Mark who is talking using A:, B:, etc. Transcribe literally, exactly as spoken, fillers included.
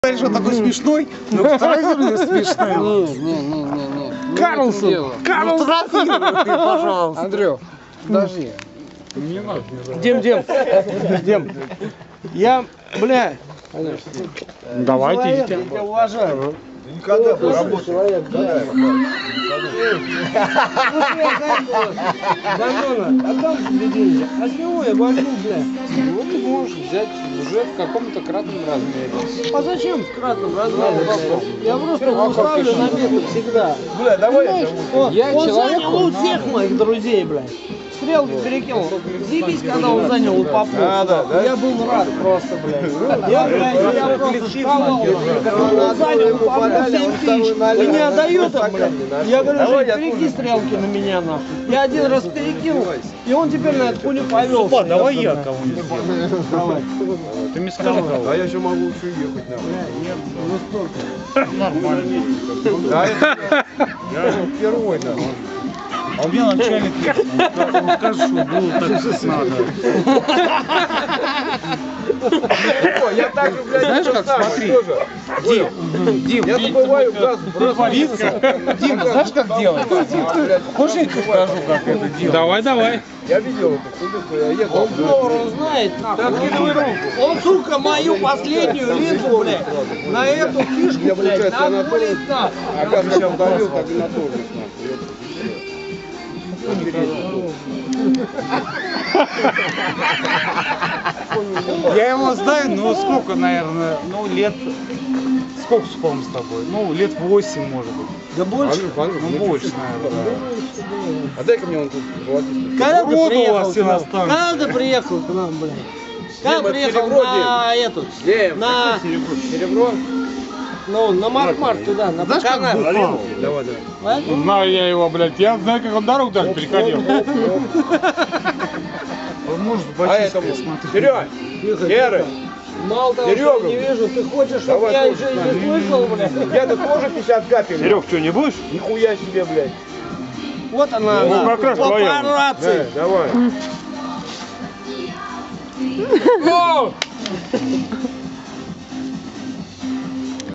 A: Говоришь, он такой смешной, но второй смешной.
B: Не, не, не, не, не.
A: Карлсон, Карлсон, пожалуйста.
B: Андрюх, подожди.
A: Не надо.
C: Дим, Дим, Дим, я, бля,
A: Давайте
C: человек,
A: идите.
C: я тебя уважаю.
D: Никогда бы работал.
C: Человек, да. Дамона, отдам тебе деньги. А с него я возьму, бля.
B: Ну, ты можешь взять уже в каком-то кратном размере.
C: А зачем в кратном размере? Я просто его ставлю на место всегда.
D: Бля, давай я
C: Понимаешь,
D: зову.
C: он,
B: Я
C: он
B: человеку
C: занял у всех моих друзей, блядь. Стрелки перекинул. Заебись, когда он занял у Попова.
D: Да, да, да.
C: Я был рад просто, блядь. Я, блядь, я просто шкалал. Он занял у Попова семь тысяч. И не отдает им, блядь. Я говорю,
D: Давай
C: Жень,
D: я
C: перекинь
D: тоже.
C: стрелки на меня, нахуй. Я один раз перекинул, и он теперь на эту хуйню повел.
A: Ладно, давай я кого-нибудь.
C: Давай.
A: Ты мне скажи кого.
D: А я еще могу еще ехать на.
A: Нормально.
D: Да, это я же впервой на.
A: А у меня начальник есть. Он скажет, что было так, как надо.
D: О, я так же, блядь,
A: Знаешь,
D: то
A: как,
D: самое
A: смотри.
D: тоже.
A: Дим, Дим,
D: Я забываю газ бросать.
A: Дим, знаешь, как делается? Хочешь, я тебе покажу, как это делать? Давай, давай.
D: Я видел эту хуйню, я ехал.
C: Он повар, он знает, нахуй. Он, сука, мою последнюю линзу, блядь, на эту фишку,
D: Я,
C: блядь,
D: получается,
C: на
D: на то-
C: блядь,
D: А газ как удалил, так и на тормоз,
A: Я его знаю, ну сколько, наверное, ну лет, сколько спом с тобой? Ну, лет восемь, может быть.
C: Да больше.
A: Ну, больше, наверное,
D: А дай-ка мне он тут золотистый.
C: Когда ты
A: Воду у
C: приехал
A: вас
C: к
A: все
C: нам?
A: настанет.
C: Когда ты приехал к нам, блядь? Когда
D: Дима,
C: приехал
D: серебро,
C: на эту,
D: Дим,
C: на,
D: серебро?
C: ну, на Марк-Марк туда, на
A: Знаешь, как
C: Баканар.
A: бухал?
D: Давай, давай.
C: Поэтому
A: Знаю я его, блядь. Я знаю, как он дорогу даже переходил. Он может
D: А
A: ботинки,
D: этому,
A: смотри.
D: Серег, Серый,
C: мало того, что
D: Серега.
C: я не вижу, ты хочешь, чтобы
D: Давай
C: я
D: тоже
C: еще и
D: с
C: не слышал, блядь?
D: я-то тоже пятьдесят капель.
E: Серег, что, не будешь?
D: Нихуя себе, блядь.
C: Вот она,
E: Ну,
C: она,
E: как раз твоя.
C: папарацци.
D: Да, давай.